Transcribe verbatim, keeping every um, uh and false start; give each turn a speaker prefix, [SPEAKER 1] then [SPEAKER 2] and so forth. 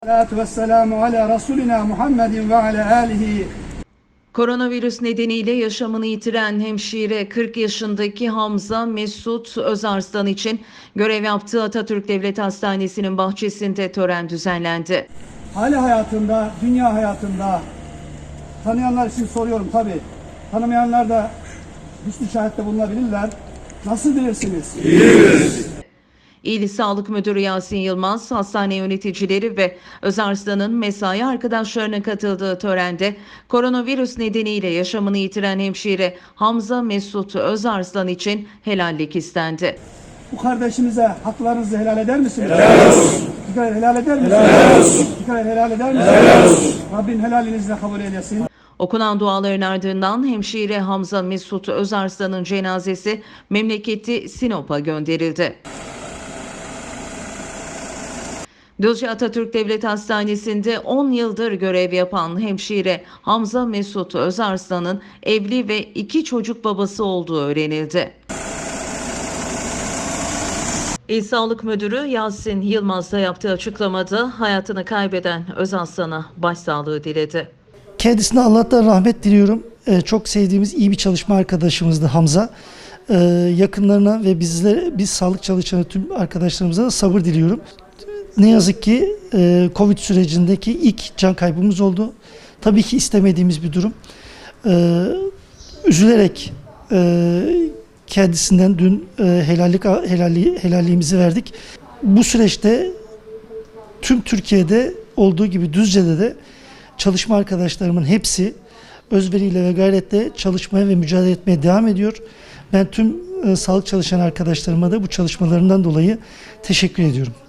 [SPEAKER 1] Salatu vesselamu ala Resulina Muhammedin ve ala alihi.
[SPEAKER 2] Koronavirüs nedeniyle yaşamını yitiren hemşire kırk yaşındaki Hamza Mesut Özarslan için görev yaptığı Atatürk Devlet Hastanesi'nin bahçesinde tören düzenlendi.
[SPEAKER 1] Hali hayatında, dünya hayatında tanıyanlar için soruyorum tabi. Tanımayanlar da hüsnü şahitte bulunabilirler. Nasıl bilirsiniz?
[SPEAKER 3] İyi biliriz.
[SPEAKER 2] İl Sağlık Müdürü Yasin Yılmaz, hastane yöneticileri ve Özarslan'ın mesai arkadaşlarına katıldığı törende koronavirüs nedeniyle yaşamını yitiren hemşire Hamza Mesut Özarslan için helallik istendi.
[SPEAKER 1] Bu kardeşimize haklarınızı helal eder misiniz?
[SPEAKER 3] Helal olsun.
[SPEAKER 1] Dikkat helal eder misiniz?
[SPEAKER 3] Helal olsun.
[SPEAKER 1] Dikkat helal eder misiniz?
[SPEAKER 3] Helal olsun.
[SPEAKER 1] Rabbin helalinizle kabul eylesin.
[SPEAKER 2] Okunan duaların ardından hemşire Hamza Mesut Özarslan'ın cenazesi memleketi Sinop'a gönderildi. Düzce Atatürk Devlet Hastanesi'nde on yıldır görev yapan hemşire Hamza Mesut Özarslan'ın evli ve iki çocuk babası olduğu öğrenildi. İl Sağlık Müdürü Yasin Yılmaz da yaptığı açıklamada hayatını kaybeden Özarslan'a başsağlığı diledi.
[SPEAKER 4] Kendisine Allah'tan rahmet diliyorum. Ee, çok sevdiğimiz iyi bir çalışma arkadaşımızdı Hamza. Ee, yakınlarına ve bizlere, biz sağlık çalışanı tüm arkadaşlarımıza da sabır diliyorum. Ne yazık ki e, Covid sürecindeki ilk can kaybımız oldu. Tabii ki istemediğimiz bir durum. Ee, üzülerek e, kendisinden dün e, helallik helalli, helalliğimizi verdik. Bu süreçte tüm Türkiye'de olduğu gibi Düzce'de de çalışma arkadaşlarımın hepsi özveriyle ve gayretle çalışmaya ve mücadele etmeye devam ediyor. Ben tüm e, sağlık çalışan arkadaşlarıma da bu çalışmalarından dolayı teşekkür ediyorum.